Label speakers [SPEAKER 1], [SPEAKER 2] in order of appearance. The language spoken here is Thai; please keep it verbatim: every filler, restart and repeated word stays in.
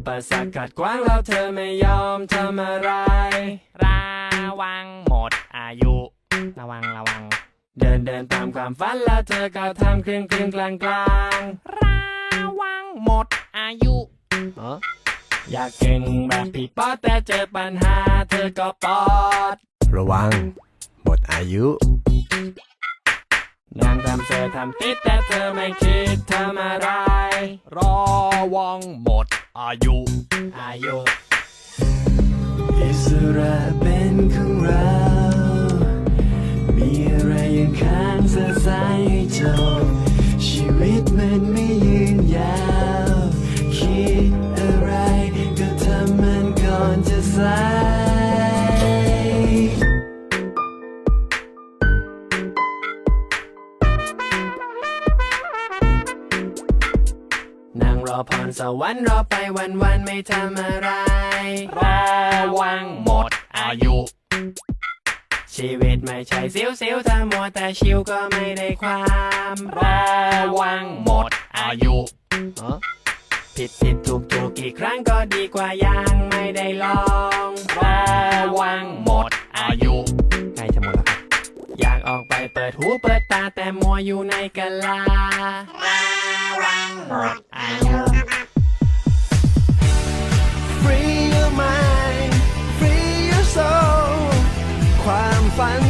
[SPEAKER 1] ปสรรคกัดขวางแล้วเธอไม่ยอมทำอะไร
[SPEAKER 2] ระวังหมดอายุระวังระวัง
[SPEAKER 1] เดินเดินตามความฝันแล้วเธอก็ทำครึ่งครึ่งกลางกลาง
[SPEAKER 2] ระวังหมดอายุ
[SPEAKER 1] อยากเก่งแบบพี่ป๊อดแต่เจอปัญหาเธอก็ปอด
[SPEAKER 3] ระวังหมดอายุ
[SPEAKER 1] นางทำเธอทำติดแต่เธอไม่คิดทำอะไร
[SPEAKER 2] ระวังหมดอายุ
[SPEAKER 1] อายุอิสระเป็นของเรามีอะไรยังค้างสะสายให้จบชีวิตมันไม่ยืนยาวคิดอะไรก็ทำมันก่อนจะสายนั่งรอพรสวรรค์รอไปวันวันไม่ทำอะไร
[SPEAKER 2] ระวังหมดอายุ
[SPEAKER 1] ชีวิตไม่ใช่สิวสิวถ้ามัวแต่ชิวก็ไม่ได้ความ
[SPEAKER 2] ระวังหมดอายุ
[SPEAKER 1] ผิดผิดถูกถูกกี่ครั้งก็ดีกว่ายังไม่ได้ลอง
[SPEAKER 2] ระวังหมดอายุ
[SPEAKER 1] ใกล้จะหมดแล้วครับอยากออกไปเปิดหูเปิดตาแต่มัวอยู่ในกะลา
[SPEAKER 2] ระวังหมดอายุ
[SPEAKER 1] Free your mind Free your soul ความฝัน